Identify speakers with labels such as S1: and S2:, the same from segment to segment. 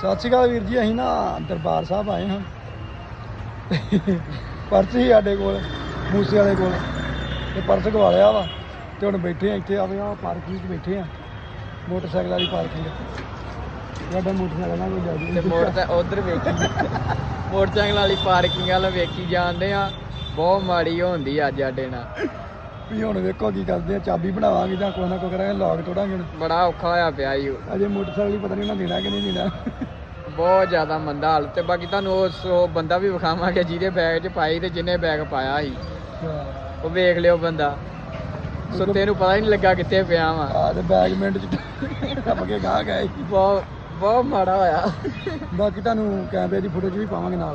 S1: ਸਤਿ ਸ਼੍ਰੀ ਅਕਾਲ ਵੀਰ ਜੀ। ਅਸੀਂ ਨਾ ਦਰਬਾਰ ਸਾਹਿਬ ਆਏ ਹਾਂ। ਪਰਸ ਸੀ ਸਾਡੇ ਕੋਲ, ਮੂਸੇ ਵਾਲੇ ਕੋਲ, ਤੇ ਪਰਸ ਗਵਾ ਲਿਆ ਵਾ। ਤੇ ਹੁਣ ਬੈਠੇ ਆ ਇੱਥੇ, ਆਵੇ ਆ ਪਾਰਕਿੰਗ 'ਚ ਬੈਠੇ ਆ, ਮੋਟਰਸਾਈਕਲ ਵਾਲੀ ਪਾਰਕਿੰਗ। ਸਾਡਾ ਮੋਟਰਸਾਈਕਲ ਨਾਲ ਕੋਈ ਜਾਦੀ
S2: ਤੇ ਮੋਟਰ ਉਧਰ ਵੇਖੀ ਮੋਟਰਸਾਈਕਲ ਵਾਲੀ ਪਾਰਕਿੰਗ ਵਾਲ ਵੇਖੀ ਜਾਂਦੇ ਆ। ਬਹੁਤ ਮਾੜੀ ਹੁੰਦੀ ਅੱਜ ਸਾਡੇ ਨਾਲ।
S1: ਵੀ ਹੁਣ ਵੇਖੋ ਕੀ ਕਰਦੇ ਆ, ਚਾਬੀ ਬਣਾਵਾਂਗੇ ਜਾਂ ਕੁਛ ਨਾ ਕੁਛ ਕਰਾਂਗੇ, ਲੌਕ ਤੋੜਾਂਗੇ।
S2: ਬੜਾ ਔਖਾ ਹੋਇਆ ਪਿਆ ਈ
S1: ਅਜੇ ਮੋਟਰਸਾਈਕਲ ਹੀ ਪਤਾ ਨਹੀਂ ਉਹਨਾਂ ਦੇਣਾ ਕਿ ਨਹੀਂ ਦੇਣਾ।
S2: ਬਹੁਤ ਜ਼ਿਆਦਾ ਮੰਦਾ ਹਾਲ। ਤੇ ਬਾਕੀ ਤੁਹਾਨੂੰ ਉਹ ਬੰਦਾ ਵੀ ਵਿਖਾਵਾਂਗੇ ਜਿਹਦੇ ਬੈਗ 'ਚ ਪਾਈ ਤੇ ਜਿਹਨੇ ਬੈਗ ਪਾਇਆ ਸੀ। ਉਹ ਵੇਖ ਲਿਓ ਬੰਦਾ, ਸੁੱਤੇ ਨੂੰ ਪਤਾ ਹੀ ਨਹੀਂ ਲੱਗਾ ਕਿੱਥੇ ਪਿਆ ਵਾ।
S1: ਆ ਤੇ ਬੈਗ ਮਿੰਟ 'ਚ ਟੱਪ ਕੇ ਗਾਹ ਗਏ।
S2: ਬਹੁਤ ਮਾੜਾ ਹੋਇਆ।
S1: ਬਾਕੀ ਤੁਹਾਨੂੰ ਕੈਮਰੇ ਦੀ ਫੁਟੇਜ ਵੀ ਪਾਵਾਂਗੇ ਨਾਲ।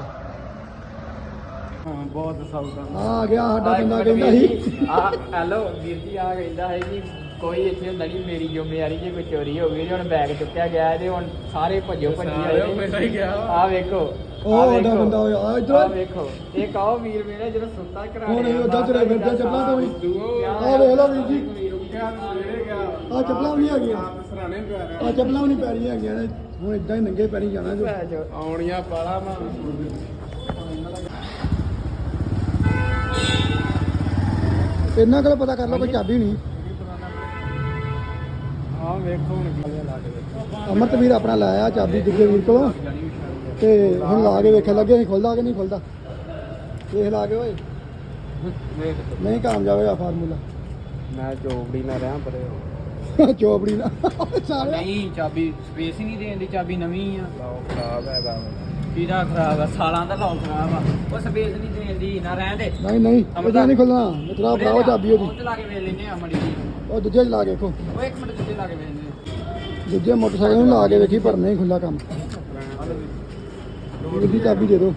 S2: ਬਹੁਤ ਸੌਖਾ
S1: ਆ ਗਿਆ ਸਾਡਾ ਬੰਦਾ, ਕਹਿੰਦਾ ਸੀ
S2: ਹੈਲੋ ਵੀਰ ਜੀ, ਆ ਕਹਿੰਦਾ ਹੈ ਕਿ ਕੋਈ ਇੱਥੇ ਹੁੰਦਾ ਨਹੀਂ, ਮੇਰੀ ਜ਼ਿੰਮੇਵਾਰੀ ਜੇ ਕੋਈ ਚੋਰੀ ਹੋ ਗਈ। ਹੁਣ ਬੈਗ ਚੁੱਕਿਆ ਗਿਆ ਤੇ ਹੁਣ ਸਾਰੇ ਭੱਜੋ ਭੱਜੀ ਆਏ। ਆ ਵੇਖੋ,
S1: ਉਹ ਸਾਡਾ ਬੰਦਾ ਹੋਇਆ ਆ
S2: ਆ
S1: ਇੱਧਰ।
S2: ਵੇਖੋ, ਇਹ ਕਾਹ ਵੀਰ ਮੇਰੇ ਜਿਹੜਾ ਸੁੱਤਾ ਕਰਾ
S1: ਹੁਣ ਇਹ ਉੱਦਾਂ ਤੁਰੇ ਫਿਰਦੇ ਚੱਪਲਾਂ ਤੋਂ ਵੀ। ਆ ਵੇਖ ਲਓ ਵੀਰ ਜੀ, ਆ ਚੱਪਲਾਂ ਵੀ ਨਹੀਂ ਹੈਗੀਆਂ, ਆ ਚੱਪਲਾਂ ਵੀ ਨਹੀਂ ਪੈ ਰਹੀਆਂ ਹੈਗੀਆਂ ਨੇ। ਹੁਣ ਇਦਾਂ ਹੀ ਨੰਗੇ ਪੈਰੀ ਜਾਣਾ ਜੋ
S2: ਆਉਣੀਆਂ ਪਾਲਾ ਮਾ।
S1: ਇਹਨਾਂ ਕੋਲ ਪਤਾ ਕਰ ਲਓ ਕੋਈ ਚਾਬੀ ਨਹੀਂ।
S2: ਆ ਵੇਖੋ ਹੁਣ ਕਿਵੇਂ ਲਾ ਕੇ ਵੇਖੋ।
S1: ਅਮਰਤ ਵੀਰ ਆਪਣਾ ਲਾਇਆ ਚਾਬੀ ਦੂਜੇ ਵੀਰ ਕੋਲੋਂ, ਤੇ ਹੁਣ ਲਾ ਕੇ ਵੇਖਣ ਲੱਗੇ ਅਸੀਂ ਖੁੱਲਦਾ ਕਿ ਨਹੀਂ ਖੁੱਲਦਾ। ਦੇਖ ਲਾ ਕੇ ਓਏ, ਨਹੀਂ ਕਾਮਯਾਬ ਹੋਇਆ ਫਾਰਮੂਲਾ।
S2: ਮੈਂ ਚੋਬੜੀ ਨਾ ਰਿਹਾ ਪਰੇ।
S1: ਚੋਪੜੀ ਨਾ ਸਾਰੇ
S2: ਨਹੀਂ, ਚਾਬੀ ਸਪੇਸ ਹੀ ਨਹੀਂ ਦੇਣ ਦੀ। ਚਾਬੀ ਨਵੀਂ ਆ, ਲੌਕ ਖਰਾਬ ਹੈਗਾ। ਕਿਹਦਾ ਖਰਾਬ ਆ? ਸਾਲਾਂ ਦਾ ਲੌਕ ਖਰਾਬ ਆ। ਉਹ ਸਪੇਸ ਨਹੀਂ ਦੇਣ ਦੀ, ਨਾ ਰਹਿਣ ਦੇ।
S1: ਨਹੀਂ ਇਹਦਾ ਨਹੀਂ ਖੁੱਲਣਾ। ਮਿੱਤਰਾ ਭਰਾਓ ਚਾਬੀ ਉਹਦੀ।
S2: ਉਹ ਲਾ ਕੇ ਵੇਖ ਲੈਨੇ ਆ ਮੜੀ ਜੀ।
S1: ਉਹ ਦੂਜੇ 'ਚ ਲਾ ਕੇ ਵੇਖੋ,
S2: ਉਹ ਇੱਕ ਮਿੰਟ ਦੂਜੇ ਲਾ ਕੇ ਵੇਖਨੇ।
S1: ਦੂਜੇ ਮੋਟਰਸਾਈਕਲ ਨੂੰ ਲਾ ਕੇ ਵੇਖੀ, ਪਰ ਨਹੀਂ ਖੁੱਲਾ ਕੰਮ। ਉਹਦੀ ਚਾਬੀ ਦੇ ਦਿਓ।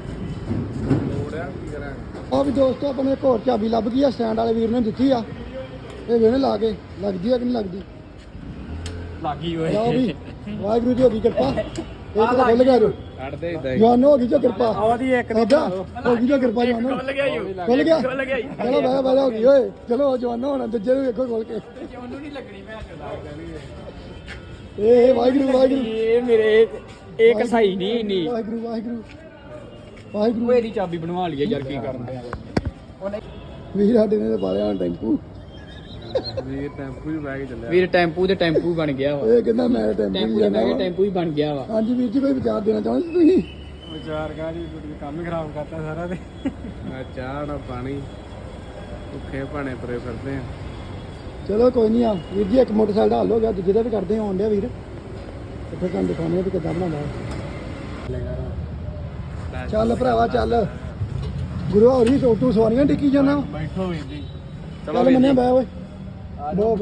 S1: ਆ ਵੀ ਦੋਸਤੋ, ਆਪਣੇ ਇੱਕ ਹੋਰ ਚਾਬੀ ਲੱਭ ਗਈ ਆ, ਸਟੈਂਡ ਵਾਲੇ ਵੀਰ ਨੇ ਦਿੱਤੀ ਆ। ਇਹ ਵੇਣੇ ਲਾ ਕੇ ਲੱਗਦੀ ਆ ਕਿ ਨਹੀਂ ਲੱਗਦੀ।
S2: ਲੱਗੀ
S1: ਲਓ ਵੀ, ਵਾਹਿਗੁਰੂ ਦੀ ਹੋ ਗਈ ਕਿਰਪਾ। ਇਹ ਤਾਂ ਖੁੱਲ ਗਿਆ ਜੋ
S2: ਕੱਢਦੇ ਇਦਾਂ
S1: ਜਵਾਨ ਹੋ ਗਈ ਜੋ ਕਿਰਪਾ।
S2: ਉਹਦੀ ਇੱਕ
S1: ਹੋ ਗਈ ਜੋ ਕਿਰਪਾ ਜਵਾਨ।
S2: ਖੁੱਲ ਗਿਆ
S1: ਖੁੱਲ ਗਿਆ। ਚਲੋ ਬਹਿ ਹੋ ਗਈ ਓਏ। ਚਲੋ ਜਵਾਨ ਹੋਣਾ, ਦੂਜੇ ਨੂੰ ਵੇਖੋ ਖੋਲ ਕੇ।
S2: ਉਹਨੂੰ ਨਹੀਂ ਲੱਗਣੀ ਮੈਂ
S1: ਇਹ ਵਾਹਿਗੁਰੂ
S2: ਇਹ ਮੇਰੇ ਇੱਕ ਸਹੀ ਨਹੀਂ ਇੰਨੀ।
S1: ਵਾਹਿਗੁਰੂ
S2: ਇਹਦੀ ਚਾਬੀ ਬਣਵਾ ਲਈਏ ਯਾਰ, ਕੀ ਕਰਨ ਦੇ ਉਹਨੇ।
S1: ਵੀਰ ਸਾਡੇ ਨੇ ਪਾਲਿਆ ਟੈਂਪੂ।
S2: ਵੀਰ ਟੈਂਪੂ ਹੀ ਬਹਿ ਕੇ ਚੱਲਿਆ। ਵੀਰ ਟੈਂਪੂ ਤੇ ਟੈਂਪੂ ਬਣ ਗਿਆ ਵਾ।
S1: ਇਹ ਕਹਿੰਦਾ ਮੈਂ ਟੈਂਪੂ
S2: ਟੈਂਪੂ
S1: ਹੀ
S2: ਬਹਿ ਕੇ ਟੈਂਪੂ ਹੀ ਬਣ ਗਿਆ ਵਾ।
S1: ਹਾਂਜੀ ਵੀਰ ਜੀ, ਕੋਈ ਵਿਚਾਰ ਦੇਣਾ ਚਾਹੁੰਦੇ ਤੁਸੀਂ?
S2: ਵਿਚਾਰ ਕਾਹਦੀ, ਕੰਮ ਹੀ ਖਰਾਬ ਕਰਤਾ ਸਾਰਾ ਤੇ। ਮੈਂ ਚਾਹ ਨਾ ਪਾਣੀ ਭੁੱਖੇ ਭਾਣੇ ਪਰੇ ਫਿਰਦੇ ਆ।
S1: ਚਲੋ ਕੋਈ ਨਹੀਂ ਆ ਵੀਰ ਜੀ, ਇੱਕ ਮੋਟਰਸਾਈਕਲ ਦਾ ਹੱਲ ਹੋ ਗਿਆ, ਦੂਜੇ ਦਾ ਵੀ ਕਰਦੇ ਆਉਣ ਡਿਆ ਵੀਰ। ਤੇ ਫਿਰ ਤੁਹਾਨੂੰ ਦਿਖਾਉਂਦੇ ਆ ਵੀ ਕਿੱਦਾਂ ਬਣਾਉਂਦਾ। ਚੱਲ ਭਰਾਵਾ ਚੱਲ, ਗੁਰੂ ਹੋਰੀ ਤੂੰ ਸਵਾਰੀਆਂ ਟਿੱਕੀ ਜਾਣਾ।
S2: ਬੈਠੋ ਵੀਰ ਜੀ।
S1: ਚੱਲ ਮੰਨਿਆ ਬੈ ਓਏ, ਬੋ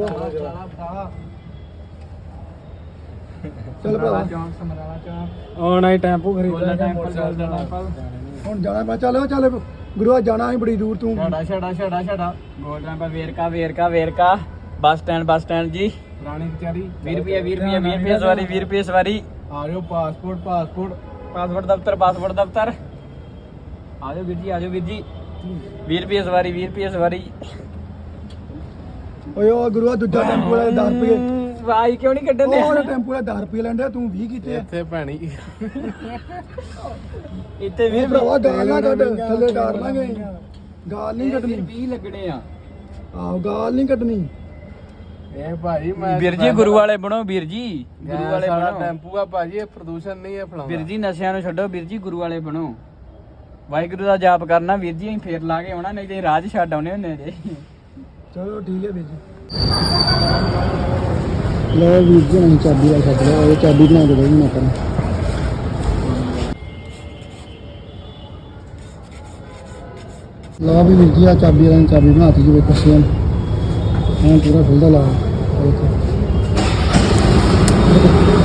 S1: ਚੱਲ ਭਰਾਵਾ।
S2: ਹੁਣ ਆਈ ਟੈਂਪੂ ਖਰੀਦਣਾ।
S1: ਹੁਣ ਜਾਣਾ ਮੈਂ। ਚੱਲ ਗੁਰੂਆ, ਜਾਣਾ ਸੀ ਬੜੀ ਦੂਰ ਤੂੰ।
S2: ਛੜਾ ਗੋਲ ਟੈਂਪਰ ਵੇਰਕਾ ਬੱਸ ਸਟੈਂਡ ਜੀ।
S1: ਰਾਣੀ ਕਚਹਿਰੀ
S2: 20 ਰੁਪਏ ਸਵਾਰੀ, 20 ਰੁਪਏ ਸਵਾਰੀ।
S1: ਆ ਜਾਓ।
S2: ਪਾਸਪੋਰਟ ਦਫ਼ਤਰ। ਆ ਜਾਓ ਵੀਰ ਜੀ। 20 ਰੁਪਏ ਸਵਾਰੀ।
S1: ਓਏ ਉਹ ਗੁਰੂਆ, ਦੂਜਾ ਟੈਂਪੂ ਵਾਲਾ 10 ਰੁਪਏ।
S2: ਵਾਈ ਕਿਉਂ ਨਹੀਂ ਕੱਢਣ ਦੇ?
S1: ਉਹ ਟੈਂਪੂ ਵਾਲਾ 10 ਰੁਪਏ ਲੈਂਦਾ, ਤੂੰ 20 ਕੀਤੇ ਆ।
S2: ਇੱਥੇ ਭੈਣੀ ਇੱਥੇ 20
S1: ਭਰਾਵਾ ਗਾਲ ਨਾ ਕੱਢ, ਥੱਲੇ ਡਾਰ ਲਾਂਗੇ। ਗਾਲ ਨਹੀਂ ਕੱਢਣੀ।
S2: 20 ਲੱਗਣੇ ਆ।
S1: ਆਹੋ, ਗਾਲ ਨਹੀਂ ਕੱਢਣੀ।
S2: ਇਹ ਭਾਈ ਮੈਂ ਵੀਰ ਜੀ ਗੁਰੂ ਵਾਲੇ ਬਣੋ। ਵੀਰ ਜੀ ਗੁਰੂ ਵਾਲੇ ਬਣੋ। ਟੈਂਪੂ ਆ ਭਾਜੀ, ਇਹ ਪ੍ਰਦੂਸ਼ਣ ਨਹੀਂ ਹੈ ਫਲਾਉਣਾ। ਵੀਰ ਜੀ ਨਸ਼ਿਆਂ ਨੂੰ ਛੱਡੋ, ਵੀਰ ਜੀ ਗੁਰੂ ਵਾਲੇ ਬਣੋ। ਵਾਹਿਗੁਰੂ ਦਾ ਜਾਪ ਕਰਨਾ ਵੀਰ ਜੀ। ਅਸੀਂ ਫੇਰ ਲਾ ਕੇ ਆਉਣਾ, ਨਹੀਂ ਤੇ ਰਾਜ ਛੱਡ ਆਉਣੇ ਹੁੰਦੇ ਜੇ।
S1: ਚਲੋ ਠੀਕ ਹੈ ਵੀਰ ਜੀ। ਲਓ ਵੀਰ ਜੀ, ਨਹੀਂ ਚਾਬੀ ਵਾਲਾ ਛੱਡ ਲਿਆ। ਉਹ ਚਾਬੀ ਬਣਾ ਕੇ ਦੇਣੀ ਮੈਂ ਤੈਨੂੰ। ਲਓ ਵੀ ਵੀਰ ਜੀ, ਆ ਚਾਬੀ ਵਾਲਾ ਚਾਬੀ ਬਣਾਤੀ ਜੀ ਵੇਖੋ ਸੇਮ। ਹੁਣ ਪੂਰਾ ਖੁੱਲਦਾ ਲਾ।